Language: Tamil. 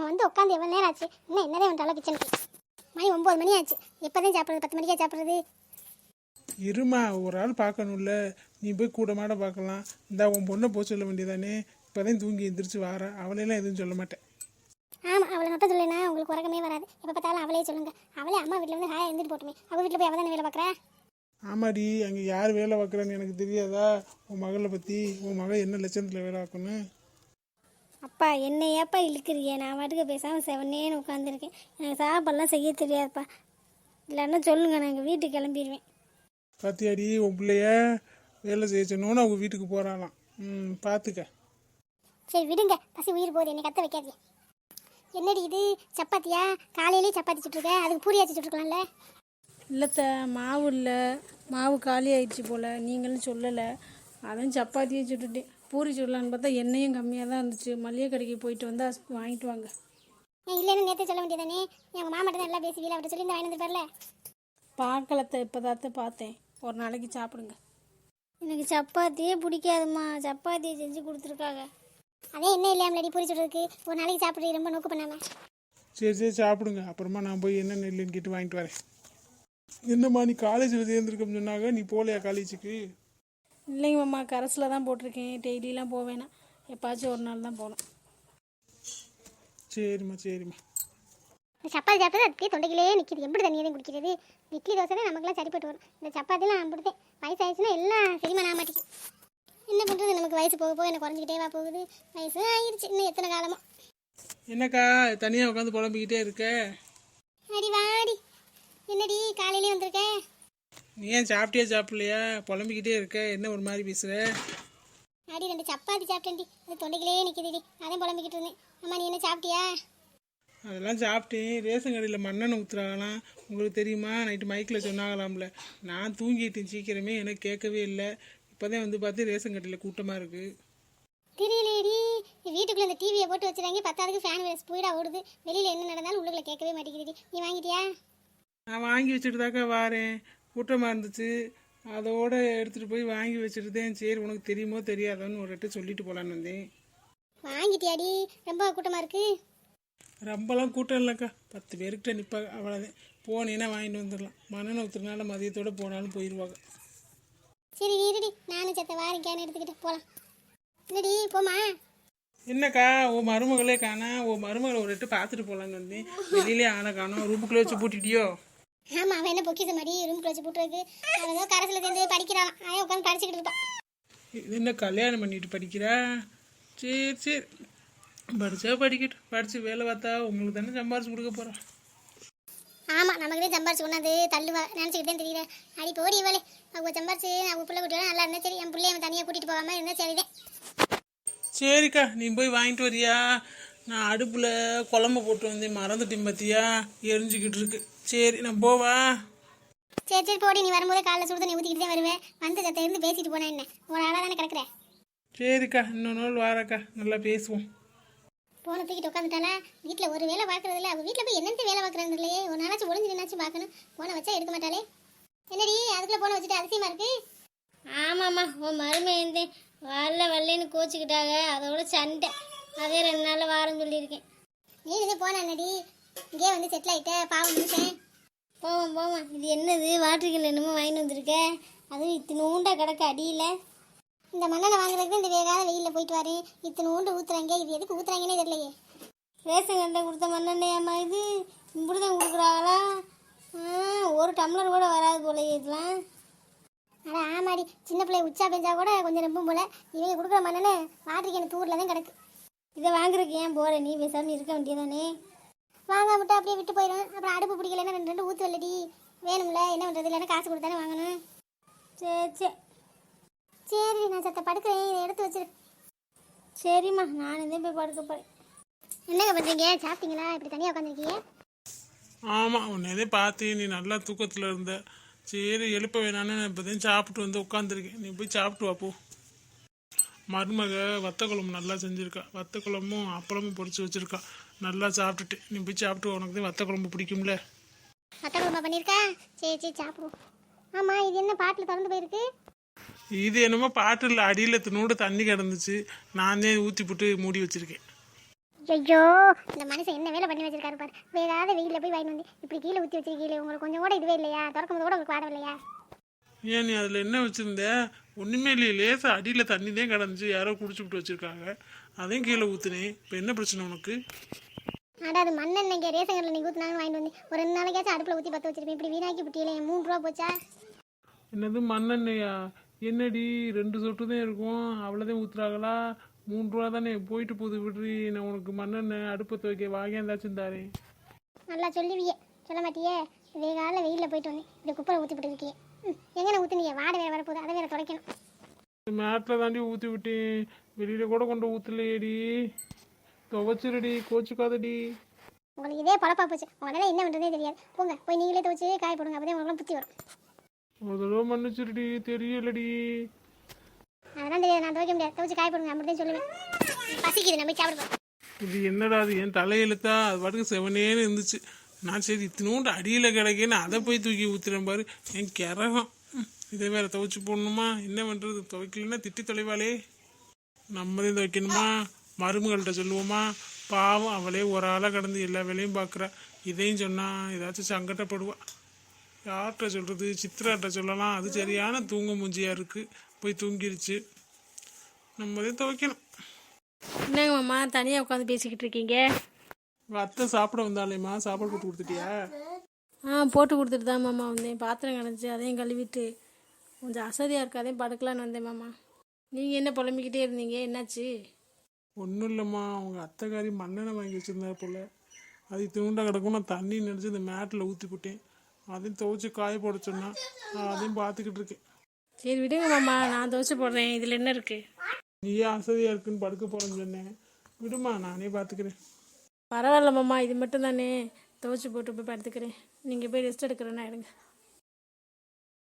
அவன் வந்து உட்காந்து எவ்வளோ நேரம் ஆச்சு, இன்னும் என்னதே வந்துட்டாலும் கிச்சனுக்கு. மணி 9 மணி ஆச்சு, எப்போதான் சாப்பிட்றது? 10 மணிக்கே சாப்பிட்றது? இருமா, ஒரு ஆள் பார்க்கணும்ல, நீ போய் கூட மாட பார்க்கலாம். இந்த உன் பொண்ணை போக சொல்ல வேண்டியதானே, இப்போதான் தூங்கி எந்திரிச்சு வாரா, அவளையெல்லாம் எதுவும் சொல்ல மாட்டேன். ஆமாம், அவளை மட்டும் சொல்லேன்னா உங்களுக்கு உறக்கமே வராது. எப்போ பார்த்தாலும் அவளே சொல்லுங்க. அவளே அம்மா வீட்டில் வந்து ஹாயா இருந்துட்டு போட்டுமே, அவள் வீட்டில் போய் அவள் தானே வேலை பார்க்குறா. ஆமாடி, அங்கே யார் வேலை பார்க்குறான்னு எனக்கு தெரியாதா? உன் மகளை பற்றி, உன் மகள் என்ன லட்சணத்தில் வேலை பார்க்கணும்? அப்பா என்னையாப்பா இழுக்கிறியே? நான் வாட்டுக்கு பேசாமல் செவனேன்னு உட்காந்துருக்கேன். எனக்கு சாப்பாடெல்லாம் செய்ய தெரியாதுப்பா. இல்லைன்னா சொல்லுங்கள், நான் எங்கள் வீட்டுக்கு கிளம்பிடுவேன். பாத்தியாடி, உன் பிள்ளைய வேலை செய்ய சொன்னோன்னு அவங்க வீட்டுக்கு போகிறாளாம். பார்த்துக்க. சரி விடுங்க, பசி உயிர் போகுது, என்னை கத்த வைக்காதீங்க. என்னடி இது சப்பாத்தியா? காலையிலேயே சப்பாத்தி சுட்டுருக்க, அதுக்கு பூரியாச்சு சுட்டுருக்கலாம்ல. இல்லைத்த, மாவு இல்லை, மாவு காலி ஆயிடுச்சு போல், நீங்களும் சொல்லலை. அதான் சப்பாத்தியே சுட்டுட்டேன். பூரி சுடலான்னு பார்த்தா எண்ணெயும் கம்மியாக தான் இருந்துச்சு. மளிகை கடைக்கு போயிட்டு வந்தால் வாங்கிட்டு வாங்க. ஏன் இல்லைன்னு நேற்று சொல்ல வேண்டியதானே? எங்கள் மாமாட்ட தான் எல்லாம் பேசி வீட்டில் அவர்கிட்ட சொல்லி இந்த வாங்கி வந்துருப்பார்ல. பார்க்கலத்த, இப்போ தாத்த பார்த்தேன். ஒரு நாளைக்கு சாப்பிடுங்க. எனக்கு சப்பாத்தியே பிடிக்காதுமா, சப்பாத்தியை செஞ்சு கொடுத்துருக்காங்க. அதே என்ன இல்லையாமலடி பூரி சுடுறதுக்கு? ஒரு நாளைக்கு சாப்பிட்றது ரொம்ப நோக்கு பண்ணாமல். சரி சாப்பிடுங்க, அப்புறமா நான் போய் என்ன நெல்லுன்னு கேட்டு வாங்கிட்டு வரேன். என்னம்மா, நீ காலேஜில் சேர்ந்துருக்கோம்னு சொன்னாங்க, நீ போகலையா காலேஜுக்கு? இல்லைங்க மாமா, கரஸில் தான் போட்டிருக்கேன். டெய்லியெலாம் போவேனா, எப்பாச்சும் ஒரு நாள் தான் போகணும். சரிம்மா. சப்பாத்தி சாப்பிட்டது அதுக்கே தொண்டைக்கிலே நிற்கிது. எப்படி தண்ணியை தான் குடிக்கிறது? இட்லி தோசை தான் நமக்குலாம் சரிப்பட்டு வரும். இந்த சப்பாத்திலாம் நான் பிடித்தேன். வயசாகிடுச்சுன்னா எல்லாம் செரிமான ஆக மாட்டேங்குது. என்ன பண்ணுறது, நமக்கு வயசு போக போக எனக்கு குறைஞ்சிக்கிட்டே போகுது. வயசு ஆயிடுச்சு, இன்னும் எத்தனை காலமோ. என்னக்கா தனியாக உட்காந்து புலம்பிக்கிட்டே இருக்க? அடி வாடி, என்னடி காலையிலே வந்திருக்க? நீ ஏன் சாப்பிடலையா? புலம்பிக்கிட்டே இருக்க, என்ன ஒரு மாதிரி பேசுகிற? அடி 2 சப்பாத்தி சாப்பிட்டேன்டி, அது தொண்டைக்கிலே நிற்கிதுடி, அதையும் புலம்பிக்கிட்டு இருந்தேன். அம்மா நீ என்ன சாப்பிட்டியா? அதெல்லாம் சாப்பிட்டேன். ரேஷன் கடையில் மண்ணெண்ணெய் ஊற்றுறாங்களாம், உங்களுக்கு தெரியுமா? நைட்டு மைக்கில் சொன்னாங்களாம்ல. நான் தூங்கிட்டேன் சீக்கிரமே, எனக்கு கேட்கவே இல்லை. இப்போதான் வந்து பார்த்து ரேஷன் கடையில் கூட்டமாக இருக்குது. தெரியலேடி, வீட்டுக்குள்ளே இந்த டிவியை போட்டு வச்சுறாங்க, 10க்கு ஃபேன் ஸ்பீடாக ஓடுது. வெளியில் என்ன நடந்தாலும் உள்ளுக்குள்ள கேட்கவே மாட்டேங்குது. நீ வாங்கிட்டியா? நான் வாங்கி வச்சுட்டு தாக்கா வாரேன். கூட்டமாக இருந்துச்சு, அதோட எடுத்துகிட்டு போய் வாங்கி வச்சுருந்தேன். சரி, உனக்கு தெரியுமோ தெரியாதான்னு ஒரு ரெட்டு சொல்லிட்டு போகலான்னு வந்தேன். வாங்கிட்டியாடி? ரொம்ப கூட்டமாக இருக்குது. ரொம்பலாம் கூட்டம் இல்லைக்கா, 10 பேருக்கிட்ட நிற்பாங்க, அவ்வளோதான். போனேன்னா வாங்கிட்டு வந்துடலாம். மண்ணெண்ணெய் ஊற்றுறதுனால மதியத்தோடு போனாலும் போயிடுவாங்க. சரி இருடி, நானும் செத்த வாரிக்கான்னு எடுத்துக்கிட்டு போகலாம். இல்லடி போமா. என்னக்கா, உன் மருமகளே காணா? உன் மருமகளை ஒரு ரெட்டு பார்த்துட்டு போகலான்னு வந்தேன். வெளியிலே ஆனை காணோம். ரூமுக்குள்ளே வச்சு பூட்டிட்டியோ? ஆமாம், அவன் என்ன பொக்கிச மாதிரி ரூமுக்குள்ள வச்சு போட்டுருக்கு. அவன் ஏதோ கரசில் சேர்ந்து படிக்கிறான், அவன் உட்காந்து படிச்சுக்கிட்டு இருப்பான். இது என்ன கல்யாணம் பண்ணிட்டு படிக்கிறா? சரி படித்தா படிக்கட்டும். படித்து வேலை பார்த்தா உங்களுக்கு தானே சம்பாரிச்சு கொடுக்க போகிறான். ஆமாம், நமக்குதே சம்பாரிச்சு கொண்டாந்து தள்ளுவா நினச்சிக்கிட்டே தெரியல. அடி போடி இவளே, அவங்க சம்பாரிச்சு அவங்க பிள்ளை குட்டியோட நல்லா இருந்தால் சரி. என் பிள்ளைய அவன் தனியாக கூட்டிகிட்டு போகாமல் இருந்தால் சரிதான். சரிக்கா, நீ போய் வாங்கிட்டு வரியா? நான் அடுப்பில் குழம்பு போட்டு வந்தேன், மறந்துட்டேன் பார்த்தியா? எரிஞ்சிக்கிட்டு இருக்கு. சரி நான் போவா? சரி போடி, நீ வரும்போதே காலைல சுடு தண்ணி ஊற்றிக்கிட்டு தான் வருவேன். வந்து சத்த இருந்து பேசிட்டு போனா என்ன, ஒரு ஆளாக தானே கிடக்குறேன். சரிக்கா, இன்னொரு நாள் வாரக்கா, நல்லா பேசுவோம். போன தூக்கிட்டு உட்காந்துட்டால, வீட்டில் ஒரு வேலை பார்க்கறது இல்லை. அவள் வீட்டில் போய் என்னென்ன வேலை பார்க்குறாங்க இல்லையே. ஒரு நாளாச்சும் ஒளிஞ்சு நின்னாச்சும் பார்க்கணும். போனை வச்சா எடுக்க மாட்டாளே. என்னடி அதுக்குள்ளே போனை வச்சுட்டு அதிசயமா இருக்கு? ஆமாம்மா, உன் மருமையந்தே வரலன்னு கோச்சிக்கிட்டாங்க, அதோட சண்டை. அதே 2 நாளில் வாரம் சொல்லியிருக்கேன். நீ இது போன என்னடி, இங்கே வந்து செட்டில் ஆகிட்ட, பாவம் நிமிஷம். போவோம். இது என்னது, வாட்டர்கள் என்னமோ வாங்கிட்டு வந்திருக்க? அதுவும் இத்தினூண்டா கிடக்க அடியில். இந்த மண்ணெண்ணை வாங்குறதுக்கு இந்த வேகாத வெயிலில் போயிட்டு வரேன். இத்தனை ஊண்டு ஊற்றுறாங்க, இது எதுக்கு ஊற்றுறாங்கன்னே தெரியலையே. ரேஷன் கடையில் கொடுத்த மண்ணெண்ணையாம்மா இது? இப்படி தான் கொடுக்குறாங்களா? ஒரு டம்ளர் கூட வராது போல இதெல்லாம். ஆனால் ஆமாடி, சின்ன பிள்ளை உச்சா பெஞ்சா கூட கொஞ்சம் நம்பும் போல. இவங்க கொடுக்குற மண்ணெண்ணை வாட்டருக்கு எனக்கு தூரில் தான் கிடக்கு. இதை வாங்குறதுக்கு ஏன் போகிற? நீ பேசாமல் இருக்க வேண்டியதானே. வாங்க மட்டும் அப்படியே விட்டு போயிடும். அப்புறம் அடுப்பு பிடிக்கலன்னா 2 ஊற்று வெள்ளடி வேணும்ல, என்ன பண்ணுறது? இல்லைன்னா காசு கொடுத்தானே வாங்கணும். சரி நான் சத்த படுக்கிறேன், இதை எடுத்து வச்சிரு. சரிம்மா, நான் இதே போய் படுக்க போகிறேன். என்னங்க பண்ணுறீங்க? சாப்பிட்டீங்களா? இப்படி தனியாக உட்காந்துருக்கீங்க? ஆமாம், உன்னதே பார்த்து நீ நல்லா தூக்கத்தில் இருந்த. சரி எழுப்ப வேணான்னு நான் இப்போதையும் சாப்பிட்டு வந்து உட்காந்துருக்கேன். நீ போய் சாப்பிட்டு வாப்போ. மருமக வத்த குழம்பு நல்லா செஞ்சுருக்கா. வத்த குழம்பும் அப்பளமும் பொரிச்சு வச்சுருக்கா. நல்லா சாப்பிட்டுட்டு நீ போய் சாப்பிட்டு, உனக்கு தான் வத்த குழம்பு பிடிக்கும்ல. வத்த குழம்பு பண்ணியிருக்கா? சரி சாப்பிடுவோம். ஆமாம், இது என்ன பாட்டில் திறந்து போயிருக்கு? இது என்னமோ பாட்டில் அடியில் தினோடு தண்ணி கிடந்துச்சு, நான் தான் ஊற்றி போட்டு மூடி வச்சுருக்கேன். ஐயோ இந்த மனுஷன் என்ன வேலை பண்ணி வச்சிருக்காரு பாரு. வேறாத வெயிலில் போய் வாங்கி வந்து இப்படி கீழே ஊற்றி வச்சிருக்கீங்களே, உங்களுக்கு கொஞ்சம் கூட இதுவே இல்லையா? திறக்கும் போது கூட உங்களுக்கு வாடம் இல்லையா? ஏன் நீ அதில் என்ன வச்சுருந்த? ஒன்றுமே இல்லையே, லேசாக அடியில் தண்ணி தான் கிடந்துச்சு, யாரோ குடிச்சுவிட்டு வச்சுருக்காங்க, அதையும் கீழே ஊற்றுனேன். இப்போ என்ன பிரச்சனை உனக்கு? ஆடா அது மண்ணெண்ணெய்க்கு ரேஷன் கடையில் நீங்கள் ஊற்றினாங்கன்னு வாங்கிட்டு வந்து ஒரு 2 நாளைக்காச்சும் அடுப்பில் ஊற்றி பற்ற வச்சிருப்பேன். இப்படி வீணாக்கி விட்டியிலே 3 ரூபா போச்சா? என்னது மண்ணெண்ணெயா? என்னடி 2 சொட்டு தான் இருக்கும், அவ்வளோதான் ஊற்றுறாங்களா? 3 ரூபா தானே போயிட்டு போகுது, விடுறி. நான் உனக்கு மண்ணெண்ணெய் அடுப்பை துவைக்க வாங்கியாந்தாச்சும் தாரேன். நல்லா சொல்லுவியே, சொல்ல மாட்டியே? வேகால வெயிலில் போயிட்டு வந்தேன், இப்படி குப்பரை ஊற்றி போட்டுருக்கியே. எங்கே ஊற்றுனீங்க? வாடை வேறு வரப்போகுது, அதை வேறு துடைக்கணும். மேட்டில் தாண்டி ஊற்றி விட்டேன், வெளியில் கூட கொண்டு ஊற்றலையேடி. துவைச்சிருடி, கோச்சுக்காதடி. உங்களுக்கு இதே பழப்பா போச்சு, உங்களால் என்ன பண்ணுறதே தெரியாது. போங்க போய் நீங்களே துவச்சி காய போடுங்க, அப்போதான் உங்களுக்குலாம் புத்தி வரும். ஒரு தடவை மன்னிச்சிருடி, தெரியலடி. அதெல்லாம் தெரியாது, நான் துவைக்க முடியாது. துவச்சி காய போடுங்க, அப்படிதான் சொல்லுவேன். பசிக்குது, நம்ம போய் சாப்பிடுவோம். இது என்னடா அது? என் தலையெழுத்தா? அது பாட்டுக்கு செவனேன்னு இருந்துச்சு. நான் சரி இத்தினோண்டு அடியில் கிடக்கேன்னு அதை போய் தூக்கி ஊற்றுறேன் பாரு. என் கிறகம். இதை வேற துவைச்சி போடணுமா? என்ன பண்ணுறது? துவைக்கலன்னா திட்டி தொலைவாளே. நம்மதையும் துவைக்கணுமா? மருமகள்கிட்ட சொல்லுவோமா? பாவம், அவளே ஒரு ஆளாக கடந்து எல்லா வேலையும் பார்க்குறா. இதையும் சொன்னால் ஏதாச்சும் சங்கடப்படுவா. யார்கிட்ட சொல்கிறது? சித்ராட்ட சொல்லலாம், அது சரியான தூங்க மூஞ்சியாக இருக்குது, போய் தூங்கிருச்சு. நம்மதையும் துவைக்கணும். என்னங்க மாமா தனியாக உட்காந்து பேசிக்கிட்டு இருக்கீங்க? உங்கள் அத்தை சாப்பிட வந்தாலேம்மா, சாப்பாடு போட்டு கொடுத்துட்டியா? போட்டு கொடுத்துட்டு தான் மாமா வந்தேன். பாத்திரம் கிடந்துச்சு, அதையும் கழுவிட்டு கொஞ்சம் அசதியாக இருக்கு, அதையும் படுக்கலான்னு வந்தேன் மாமா. நீங்கள் என்ன புலம்பிக்கிட்டே இருந்தீங்க, என்னாச்சு? ஒன்றும் இல்லைம்மா, அவங்க அத்தைக்காரி மண்ணெண்ணெய் வாங்கி வச்சுருந்தா போல், அது தூண்டா கிடக்கும். நான் தண்ணி நினச்சி இந்த மேட்டில் ஊற்றி போட்டேன், அதையும் துவைச்சி காய போட சொன்னா, அதையும் பார்த்துக்கிட்டு இருக்கேன். சரி விடுங்க மாமா, நான் துவைச்சி போடுறேன், இதில் என்ன இருக்குது? நீயே அசதியாக இருக்குன்னு படுக்க போகிறேன்னு சொன்னேன். விடுமா, நானே பார்த்துக்கிறேன். பரவாயில்ல மாமா, இது மட்டும் தானே, துவைச்சி போட்டு போய் படுத்துக்கிறேன். நீங்கள் போய் ரெஸ்ட் எடுக்கிறேன்னா எடுங்க.